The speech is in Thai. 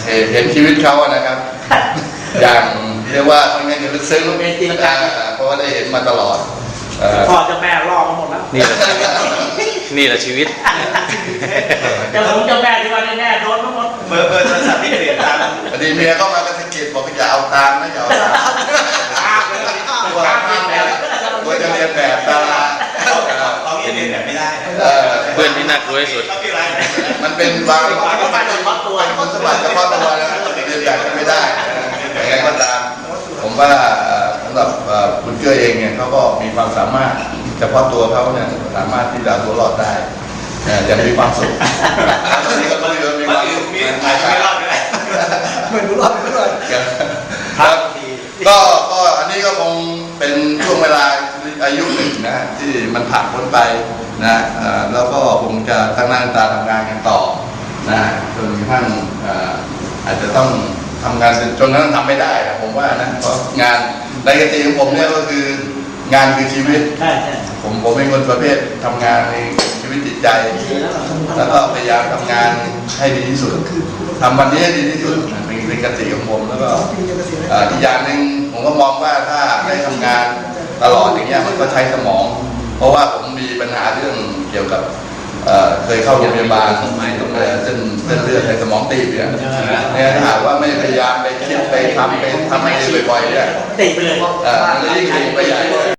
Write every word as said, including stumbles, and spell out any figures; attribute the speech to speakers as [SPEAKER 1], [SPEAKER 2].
[SPEAKER 1] เห็นชีวิตเขาอะนะครับ อย่างเรียกว่าค่อนข้างจะลึกซึ้งเพราะว่าได้เห็นมาตลอด
[SPEAKER 2] พ่อเจ้าแม่ล่อมาหมดแล้ว
[SPEAKER 3] นี่แหละชีวิต
[SPEAKER 2] เจ้าผมเจ้าแม่ที่ว่าแน่ๆโดนทั้งหมด
[SPEAKER 4] เบอร์เบอร์โทรศัพท์ที่เปลี่ยนตาม
[SPEAKER 1] พอดีเมียเข้ามากระสกิดบอกอย่าเอาตามนะอย่าเอาตามตัวตัวจะเรียนแบบตา
[SPEAKER 4] เราเรียนแบบไม่ได้
[SPEAKER 3] เพื่อนที่น่ากลัวที่สุด
[SPEAKER 1] มันเป็นบางคนสมบัติเฉพาะตัวคนสมบัติเฉพาะตัวนะเรียนแบบไม่ได้ยังไงก็ตามผมว่าสำหรับคุณเกื้อเองเนี่ยเขาก็มีความสามารถเฉพาะตัวเขาเนี่ยสามารถที่จะตัวรอดได้ยังมีความสุขตอนนี้ก็ต้องมีความสุข
[SPEAKER 4] อาจจะไม่รอดก็ได้
[SPEAKER 1] ไม่รู้รอดไม่รอดครับก็ก็อันนี้ก็คงเป็นช่วงเวลาอายุหนึ่งนะที่มันผ่านพ้นไปนะแล้วก็คงจะตั้งหน้าตาทำงานกันต่อนะจนกระทั่งอาจจะต้องทำงานจนกระทั่งทำไม่ได้ผมว่านะเพราะงานในกติของผมเนี่ยก็คืองานคือชีวิตผมผมเป็นคนประเภททำงานในชีวิตจิตใจแล้วก็พยายามทำงานให้ดีที่สุดทำวันนี้ให้ดีที่สุดเป็นเป็นกติของผมแล้วก็อีกอย่างหนึ่งผมก็มองว่าถ้าได้ทำงานตลอดอย่างเงี้ยมันก็ใช้สมองเพราะว่าผมมีปัญหาเรื่องเกี่ยวกับเคยเข้าโรงพยาบาลเส้นเส้นเลือดในสมองตีบเนี่ยเนี่ยถ้าหากว่าไม่พยายามไปคิดไปทำไปทำให้บ่อยๆเนี่ย
[SPEAKER 2] ตีไปเลย
[SPEAKER 1] มันจะยิ่งตีไปใหญ่